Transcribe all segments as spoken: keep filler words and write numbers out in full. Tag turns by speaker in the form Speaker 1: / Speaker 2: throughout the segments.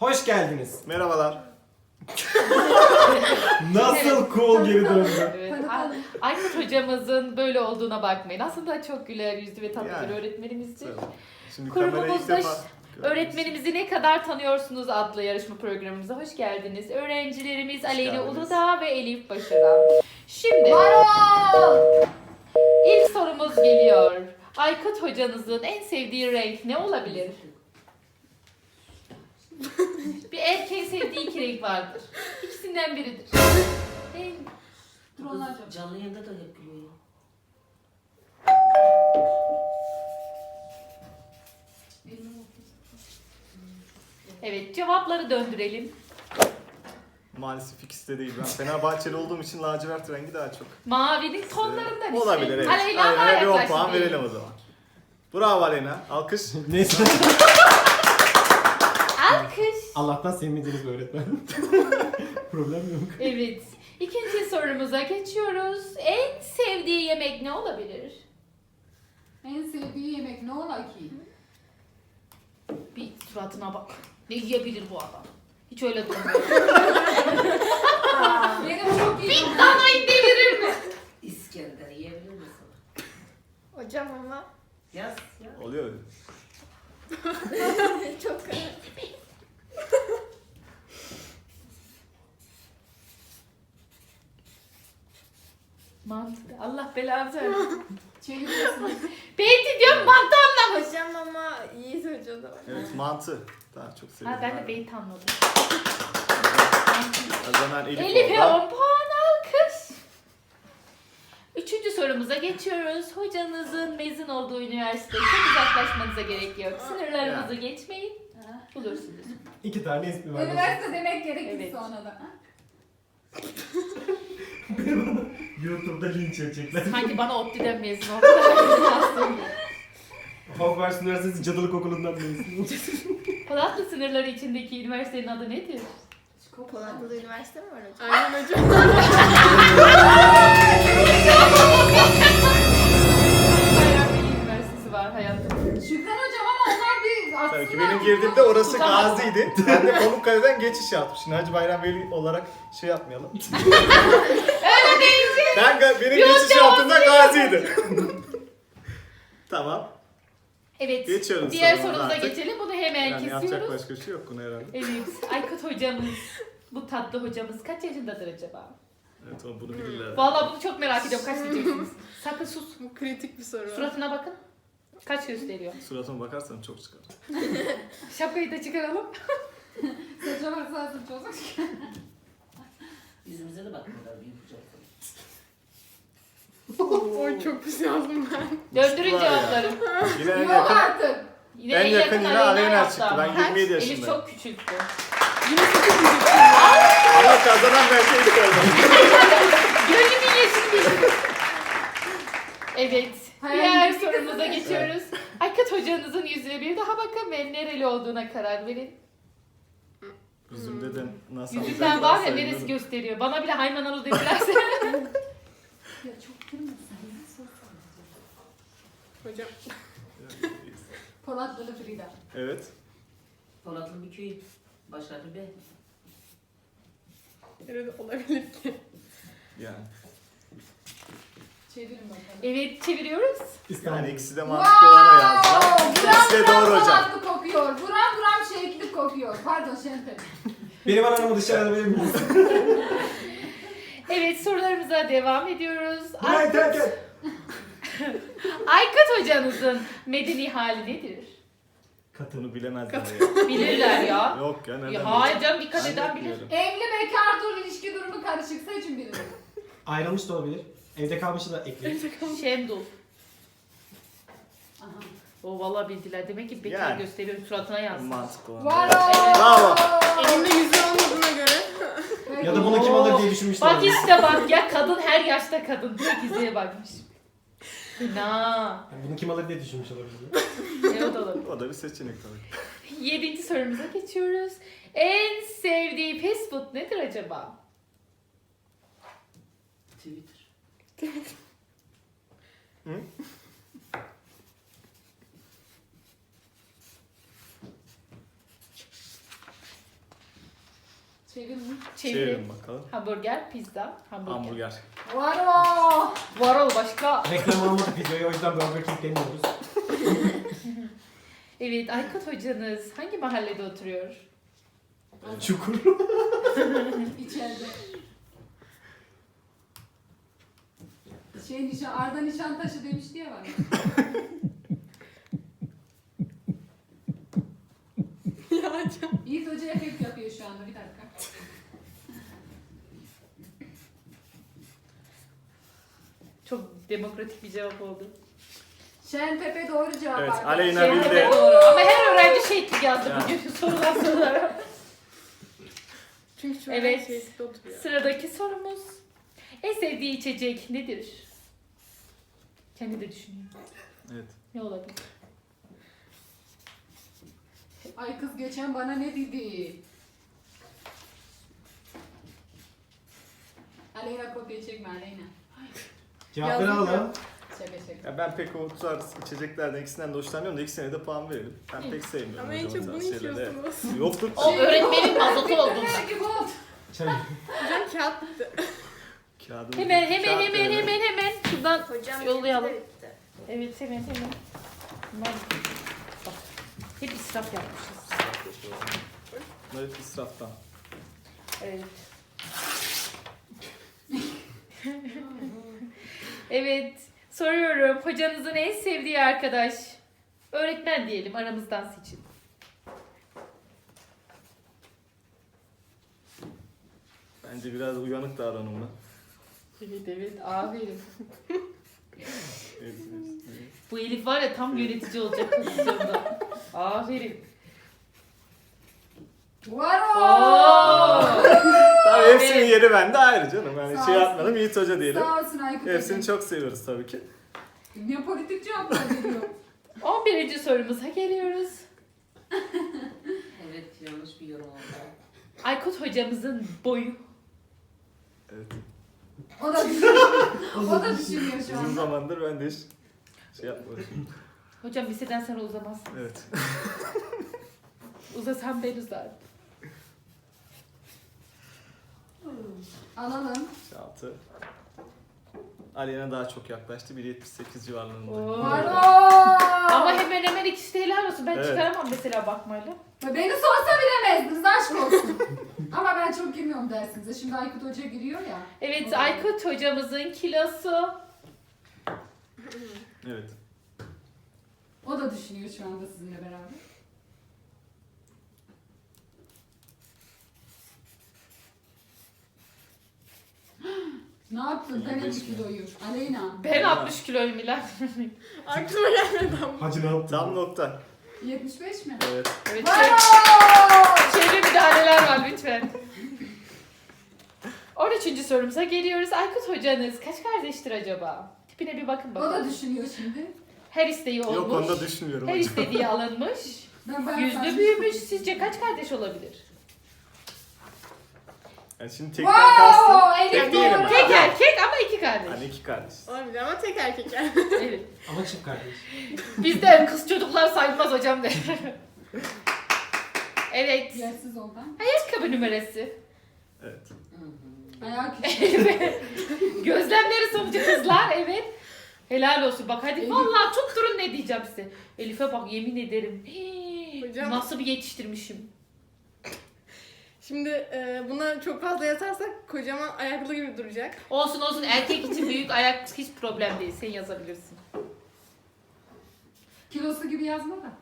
Speaker 1: Hoş geldiniz.
Speaker 2: Merhabalar.
Speaker 1: Nasıl cool geri döndü.
Speaker 3: Evet. Ay- Aykut hocamızın böyle olduğuna bakmayın. Aslında çok güler yüzlü ve tatlı
Speaker 2: Yani.
Speaker 3: bir öğretmenimizdir.
Speaker 2: Şimdi kamerayı ilk
Speaker 3: Kurumumuzda
Speaker 2: defa
Speaker 3: Öğretmenimizi ne kadar tanıyorsunuz adlı yarışma programımıza hoş geldiniz. Öğrencilerimiz
Speaker 2: Hoş
Speaker 3: Aleyna
Speaker 2: geldiniz.
Speaker 3: Uludağ ve Elif Başaran. Şimdi
Speaker 4: Marul!
Speaker 3: ilk sorumuz geliyor. Aykut hocanızın en sevdiği renk ne olabilir? Bir erkeğin sevdiği iki renk vardır. İkisinden biridir. En...
Speaker 4: Dur onu açalım.
Speaker 5: Canlı yayında da yapıyor ya.
Speaker 3: Evet, cevapları döndürelim.
Speaker 2: maalesef ikisi de değil. Ben Fenerbahçeli olduğum için lacivert rengi daha çok.
Speaker 3: Mavinin tonlarından işte.
Speaker 2: Olabilir evet.
Speaker 3: Aleyna daha
Speaker 2: Aleyna'ya bir on
Speaker 3: yaklaştı
Speaker 2: puan
Speaker 3: diyelim.
Speaker 2: verelim o zaman. Bravo Aleyna. Alkış.
Speaker 1: Neyse.
Speaker 3: Alkış.
Speaker 1: Allah'tan sevmediğiniz bir öğretmen. Problem yok.
Speaker 3: Evet. İkinci sorumuza geçiyoruz. En sevdiği yemek ne olabilir?
Speaker 4: En sevdiği yemek ne ola ki?
Speaker 3: Bir suratına bak. Ne yiyebilir bu adam? Hiç öyle durmuyor.
Speaker 4: Benim çok iyi.
Speaker 3: Bir danayı delirir mi?
Speaker 5: İskender yiyebilir misin?
Speaker 6: Hocam ama
Speaker 5: Yaz ya.
Speaker 2: Oluyor öyle.
Speaker 6: çok karar.
Speaker 3: Mantıklı. Allah belanı versin.
Speaker 4: Çeviriyorsunuz.
Speaker 3: Beyti diyorum mantı anlamış.
Speaker 6: Hocam ama Yiğit Hoca da var.
Speaker 2: Evet mantı. Daha çok seviyorum.
Speaker 3: Ha ben de beyti anladım.
Speaker 2: O zaman Elif
Speaker 3: Elif'e
Speaker 2: orada.
Speaker 3: on puan alkış. Üçüncü sorumuza geçiyoruz. Hocanızın mezun olduğu üniversiteye çok uzaklaşmanıza gerek yok. Sınırlarınızı geçmeyin. Bulursunuz.
Speaker 1: İki tane ismi var.
Speaker 4: Üniversite demek gerekir
Speaker 3: Evet.
Speaker 4: sonra da.
Speaker 1: YouTube'da linç edecekler.
Speaker 3: Sanki bana ODTÜ'den mezun oldu.
Speaker 1: Hogwarts Üniversitesi Cadılık Okulu'ndan mezun.
Speaker 3: Polatlı sınırları içindeki üniversitenin adı nedir?
Speaker 6: Polatlı'da üniversite mi var hocam?
Speaker 3: Aynen hocam. Bayraklı Üniversitesi var hayatım.
Speaker 4: Şükran hocam ama onlar bir aslında...
Speaker 2: Tabii ki benim girdiğimde orası
Speaker 3: Tutamaz.
Speaker 2: Gazi'ydi. Ben de Pamukkale'den geçiş yaptım. Şimdi Hacı Bayram Veli olarak şey yapmayalım.
Speaker 3: Öyle değil.
Speaker 2: Ben ga- benim
Speaker 3: Yok,
Speaker 2: geçiş
Speaker 3: devam
Speaker 2: yaptığımda Gazi'ydi. Tamam.
Speaker 3: Evet.
Speaker 2: Geçiyoruz
Speaker 3: Diğer
Speaker 2: sorumuza
Speaker 3: sorumuza
Speaker 2: artık.
Speaker 3: geçelim. Bunu hemen
Speaker 2: Yani yapacak
Speaker 3: kesiyoruz.
Speaker 2: başka bir şey yok buna herhalde.
Speaker 3: Evet. Aykut hocamız, bu tatlı hocamız kaç yaşındadır acaba?
Speaker 2: Evet o bunu bilirler.
Speaker 3: Vallahi bunu çok merak ediyorum. Kaç diyeceksiniz? Sakın sus.
Speaker 6: Bu kritik bir soru.
Speaker 3: Suratına bakın. Kaç gösteriyor?
Speaker 2: Suratıma bakarsan çok çıkar.
Speaker 3: Şapkayı da çıkaralım.
Speaker 4: Saça varsa saç olacak.
Speaker 5: Yüzümüze de bakmıyorlar büyük kucakta.
Speaker 6: Oy çok pis yazdım ben.
Speaker 3: Döndürün
Speaker 2: Var ya.
Speaker 3: cevapları.
Speaker 2: Yine en
Speaker 4: Yok
Speaker 2: yakın,
Speaker 4: artık.
Speaker 3: Yine
Speaker 2: en yakın yine Aleyna
Speaker 3: yaptı
Speaker 2: çıktı.
Speaker 3: ama.
Speaker 2: Ben yirmi yedi
Speaker 3: Elif
Speaker 2: yaşındayım.
Speaker 3: çok küçülttü.
Speaker 2: Ama kazanan belki ilk oldu.
Speaker 3: Gönlümün yaşını bildim. Evet.
Speaker 4: Hayal
Speaker 3: Diğer
Speaker 4: ettiği
Speaker 3: sorumuza
Speaker 4: kızı.
Speaker 3: geçiyoruz. Aykut hocanızın yüzüne bir daha bakın ve nereli olduğuna karar verin.
Speaker 2: Yüzümde de nasıl
Speaker 3: Yüzünden
Speaker 2: alacaklar
Speaker 3: var ya
Speaker 2: sayılır.
Speaker 3: neresi gösteriyor. Bana bile haymanalı dedilerse.
Speaker 4: Ya çok girmesin.
Speaker 6: Hocam.
Speaker 4: Polatlılı Frida.
Speaker 2: Evet.
Speaker 5: Polatlı bir köy. Başarılı be.
Speaker 6: Nerede olabilir ki?
Speaker 2: Yani.
Speaker 4: Çevirin bakalım.
Speaker 3: Evet çeviriyoruz.
Speaker 2: Yani ikisi de mantıklı olana yazdılar.
Speaker 4: Buram
Speaker 2: İkisi de
Speaker 4: buram
Speaker 2: doğru hocam.
Speaker 4: Polatlı kokuyor. Buram buram şehitlik kokuyor. Pardon Şentel.
Speaker 1: Benim anamı dışarıda verir miyiz?
Speaker 3: Evet sorularımıza devam ediyoruz.
Speaker 1: Burayı terk et.
Speaker 3: Aykut hocanızın medeni hali nedir?
Speaker 2: Katını bilemezler ya.
Speaker 3: Bilirler ya.
Speaker 2: Yok ya neden?
Speaker 3: Ya hayır canım
Speaker 2: bileceğim?
Speaker 3: dikkat
Speaker 2: Ben
Speaker 3: eden
Speaker 2: de
Speaker 3: bilir.
Speaker 2: biliyorum.
Speaker 4: Evli bekar dur ilişki durumu karışık seçin birini.
Speaker 1: Ayrılmış da olabilir. Evde kalmışı da ekleyin.
Speaker 3: Şemdul.
Speaker 4: Aha.
Speaker 3: O vallahi bildiler. Demek ki bekar
Speaker 2: Yani.
Speaker 3: gösteriyor suratına yazsın.
Speaker 2: Mantıklı olan.
Speaker 4: Bravo.
Speaker 2: Bravo.
Speaker 6: Elimde yüzü olmadığına göre.
Speaker 1: Ya da bunu kim alır diye düşünmüşler.
Speaker 3: Bak işte bak ya kadın her yaşta kadın. Direkt yüzeye bakmış. Na.
Speaker 1: Yani bunu kim alır diye düşünmüş olabilir.
Speaker 3: Ne o da olabilir.
Speaker 2: O da bir seçenek tabii.
Speaker 3: Yedinci sorumuza geçiyoruz. En sevdiği fast food nedir acaba?
Speaker 5: Twitter.
Speaker 2: Hı?
Speaker 4: Çevirin.
Speaker 3: Çevirin.
Speaker 2: Çevirin bakalım.
Speaker 3: Hamburger, pizza, hamburger.
Speaker 2: Hamburger.
Speaker 4: Varo.
Speaker 3: Varol başka.
Speaker 1: Reklam almadık videoyu o yüzden Burger King demiyoruz.
Speaker 3: Evet, Aykut hocanız hangi mahallede oturuyor?
Speaker 1: Çukur.
Speaker 4: İçeride. Şey nişan, Arda Nişantaşı demişti ya bana.
Speaker 6: Ya hocam.
Speaker 4: Yiğit Hoca efekt yapıyor şu anda, bir dakika.
Speaker 3: Çok demokratik bir cevap oldu.
Speaker 4: Şentepe doğru cevap.
Speaker 2: Evet,
Speaker 4: arkadaşlar.
Speaker 2: Aleyna
Speaker 3: Şey,
Speaker 2: bildi.
Speaker 3: evet, doğru. Ama her öğrenci şehitlik yazdı
Speaker 2: Ya.
Speaker 3: bugün sorular sorulara.
Speaker 6: Çünkü şu
Speaker 3: Evet.
Speaker 6: an şeyde oturuyor.
Speaker 3: Sıradaki sorumuz. En sevdiği içecek nedir? Kendi de düşünüyor.
Speaker 2: Evet.
Speaker 3: Ne olabilir?
Speaker 4: Ay kız geçen bana ne dedi? Aleyna kopya çekme Aleyna.
Speaker 1: Cevapları
Speaker 6: Yazdım
Speaker 1: alalım.
Speaker 4: Şaka şaka.
Speaker 2: Ya ben pek o tarz içeceklerden ikisinden de hoşlanmıyorum da ikisine de puan verelim. Ben pek sevmiyorum.
Speaker 6: Ama en
Speaker 2: hocam o
Speaker 6: çok bunu
Speaker 2: tarz şeyleri.
Speaker 6: içiyorsunuz.
Speaker 2: Yoktur.
Speaker 3: O öğretmenin mazotu oldu.
Speaker 4: Ne gibi oldu?
Speaker 1: Çay.
Speaker 6: Hocam kağıt bitti.
Speaker 2: Kağıdı
Speaker 3: Hemen hemen
Speaker 2: kağıt
Speaker 3: hemen
Speaker 2: verelim.
Speaker 3: hemen hemen şuradan
Speaker 6: Hocam
Speaker 3: yollayalım.
Speaker 6: benimki de bitti.
Speaker 3: Evet hemen hemen. Bunlar bak, hep israf yapmışız.
Speaker 2: Evet, israftan.
Speaker 3: Evet. Evet. Soruyorum. Hocanızın en sevdiği arkadaş. Öğretmen diyelim aramızdan seçin.
Speaker 2: Bence biraz uyanık davranımlı.
Speaker 3: Evet evet. Aferin.
Speaker 2: Evet, evet, evet.
Speaker 3: Bu Elif var ya tam yönetici olacak pozisyonda. Aferin.
Speaker 4: Varo.
Speaker 3: Oo.
Speaker 2: Tabii hepsinin
Speaker 3: Evet.
Speaker 2: yeri bende ayrı canım. Yani
Speaker 4: Sağ
Speaker 2: şey
Speaker 4: olsun.
Speaker 2: yapmadım, Yiğit Hoca diyelim.
Speaker 4: Sağ olsun Aykut
Speaker 2: Hepsini
Speaker 4: Hocam.
Speaker 2: çok seviyoruz tabii ki.
Speaker 4: Ne politik cevaplar veriyor.
Speaker 3: on birinci sorumuza geliyoruz.
Speaker 5: Evet, yanlış bir yorum oldu.
Speaker 3: Aykut hocamızın boyu.
Speaker 2: Evet.
Speaker 4: O da düşünüyor. O da düşünüyor şu
Speaker 2: Uzun
Speaker 4: anda.
Speaker 2: zamandır ben de hiç şey yapmadım.
Speaker 3: Hocam liseden sonra uzamazsın.
Speaker 2: Evet.
Speaker 3: Uzasam ben uzarım.
Speaker 4: Alalım.
Speaker 2: Altı. Aleyna daha çok yaklaştı. bir yetmiş sekiz civarlarında.
Speaker 3: Oo.
Speaker 4: Varo.
Speaker 3: Ama hemen hemen ikisi de helal olsun. Ben
Speaker 2: Evet.
Speaker 3: çıkaramam mesela bakmayla.
Speaker 4: Beni sorsa bilemezdiniz, aşk olsun. Ama ben çok girmiyorum dersinize. Şimdi Aykut Hoca giriyor ya.
Speaker 3: Evet
Speaker 4: Oo.
Speaker 3: Aykut hocamızın kilosu.
Speaker 2: Evet.
Speaker 4: O da düşünüyor şu anda sizinle beraber. Ne yaptın? Ben
Speaker 2: yirmi beş
Speaker 4: elli
Speaker 2: mi?
Speaker 4: kiloyu. Aleyna.
Speaker 3: Ben altmış kiloyum Milan.
Speaker 6: Aklıma gelmedi ama.
Speaker 1: Hacı ne yaptın?
Speaker 2: Tam nokta.
Speaker 4: yetmiş beş mi?
Speaker 2: Evet.
Speaker 3: Evet
Speaker 4: Varo.
Speaker 3: çevre müdahaleler var lütfen. on üçüncü sorumuza geliyoruz. Aykut hocanız kaç kardeştir acaba? Tipine bir bakın
Speaker 4: O da
Speaker 3: bakalım.
Speaker 4: düşünüyor şimdi.
Speaker 3: Her isteği olmuş.
Speaker 2: Yok, onu da düşünmüyorum
Speaker 3: Her
Speaker 2: hocam.
Speaker 3: istediği alınmış.
Speaker 4: Ben ben
Speaker 3: Yüzlü büyümüş. Sizce kaç kardeş olabilir?
Speaker 2: Yani şimdi tekten
Speaker 4: Wow,
Speaker 2: kastım.
Speaker 4: Elif
Speaker 2: Tek değilim.
Speaker 4: doğru.
Speaker 2: ben.
Speaker 3: Tek erkek ama iki kardeş.
Speaker 2: Hani iki kardeş.
Speaker 6: Olabilir ama tek erkek yani.
Speaker 3: Evet.
Speaker 1: Ama çift kardeş.
Speaker 3: Bizden kız çocuklar sayılmaz hocam de. Evet.
Speaker 4: Yersiz ondan.
Speaker 3: Ayakkabı numarası.
Speaker 2: Evet.
Speaker 5: Hı hı.
Speaker 4: Ayağı küçük.
Speaker 3: Gözlemleri sonucu kızlar evet. Helal olsun bak hadi
Speaker 4: Elif.
Speaker 3: vallahi tutturun ne diyeceğim size. Elif'e bak yemin ederim. Hii,
Speaker 6: Hocam.
Speaker 3: Nasıl bir yetiştirmişim.
Speaker 6: Şimdi e, buna çok fazla yatarsak kocaman ayaklı gibi duracak.
Speaker 3: Olsun olsun erkek için büyük ayak hiç problem değil. Sen yazabilirsin.
Speaker 4: Kilosu gibi yazma da.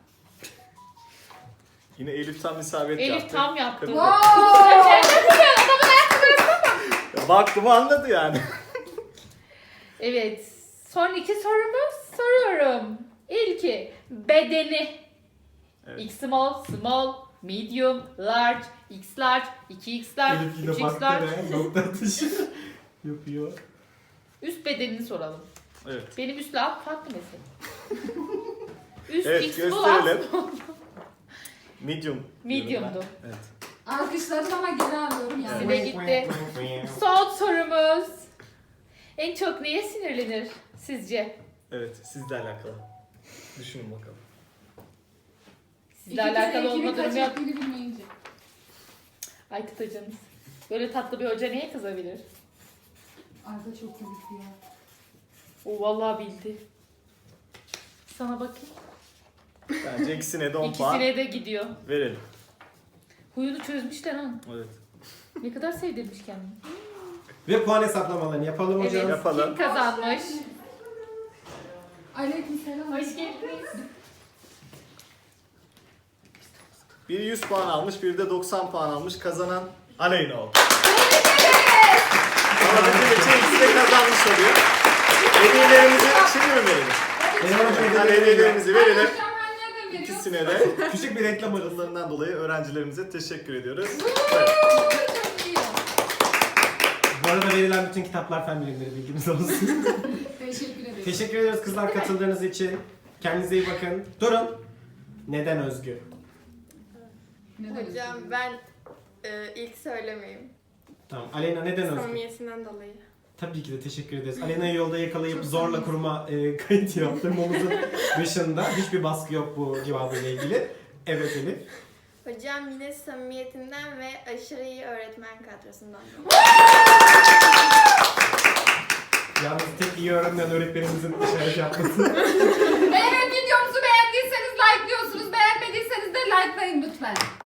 Speaker 2: Yine Elif tam isabet
Speaker 3: Elif
Speaker 2: yaptı.
Speaker 3: tam yaptı.
Speaker 2: Kırk-
Speaker 4: Wow.
Speaker 2: Ya baktım anladı yani.
Speaker 3: Evet. Son iki sorumuz soruyorum. İlki bedeni.
Speaker 2: Evet.
Speaker 3: X small, small, medium, large, X large, iki X large,
Speaker 1: Elif
Speaker 3: üç
Speaker 1: yine
Speaker 3: X
Speaker 1: baktı
Speaker 3: large.
Speaker 1: ve nokta atışı yapıyor.
Speaker 3: Üst bedenini soralım.
Speaker 2: Evet.
Speaker 3: Benim üstle alt farklı mesela. Üst
Speaker 2: Evet,
Speaker 3: X small, alt
Speaker 2: gösterelim.
Speaker 3: small.
Speaker 2: Medium. diyorum
Speaker 3: Medium'du.
Speaker 2: ben. Evet.
Speaker 4: Alkışladım ama geri alıyorum yani.
Speaker 3: Size gitti. Son sorumuz. En çok neye sinirlenir sizce?
Speaker 2: Evet, sizle alakalı. Düşünün bakalım.
Speaker 3: Sizle alakalı olma durumu yok.
Speaker 4: Bilmeyince.
Speaker 3: Aykut hocanız. Böyle tatlı bir hoca neye kızabilir?
Speaker 4: Arda çok komikti ya.
Speaker 3: O vallahi bildi. Sana bakayım.
Speaker 2: Bence ikisine de on puan
Speaker 3: İkisine de gidiyor.
Speaker 2: verelim.
Speaker 3: Huyunu çözmüşler ha.
Speaker 2: Evet.
Speaker 3: Ne kadar sevdirmiş kendini.
Speaker 1: Ve puan hesaplamalarını yapalım hocam.
Speaker 3: Evet.
Speaker 2: Yapalım.
Speaker 3: Kim kazanmış?
Speaker 4: Aleykümselam.
Speaker 3: Hoş geldiniz.
Speaker 2: Biri yüz puan almış, biri de doksan puan almış. Kazanan Aleyna oldu. Ama bizim için ikisi de kazanmış oluyor. Hediyelerimizi şimdi mi verelim?
Speaker 1: Evet.
Speaker 2: Yani hediyelerimizi verelim.
Speaker 4: Hocam ben nereden veriyorum?
Speaker 2: İkisine de
Speaker 1: Küçük bir reklam arası.
Speaker 2: katılımlarından dolayı öğrencilerimize teşekkür ediyoruz.
Speaker 4: Çok iyi.
Speaker 1: Bu arada verilen bütün kitaplar fen bilimleri, bilginiz olsun.
Speaker 4: Teşekkür ederim.
Speaker 1: Teşekkür ederiz kızlar katıldığınız için. Kendinize iyi bakın. Durun. Neden Özgü?
Speaker 4: Neden
Speaker 6: Hocam
Speaker 4: üzüldün?
Speaker 6: ben e, ilk söylemeyeyim.
Speaker 1: Tamam. Aleyna neden Özgü?
Speaker 6: Samimiyetinden dolayı.
Speaker 1: Tabii ki de teşekkür ederiz. Alena'yı yolda yakalayıp zorla kurma e, kayıt yaptırmamızın dışında hiçbir baskı yok bu cevabıyla ilgili. Evet Elif.
Speaker 7: Hocam yine samimiyetinden ve aşırı iyi öğretmen kadrosundan.
Speaker 1: Yalnız tek iyi öğrenen öğretmenimizin işaret yapması.
Speaker 4: Eğer videomuzu beğendiyseniz like'lıyorsunuz. Beğenmediyseniz de like'layın lütfen.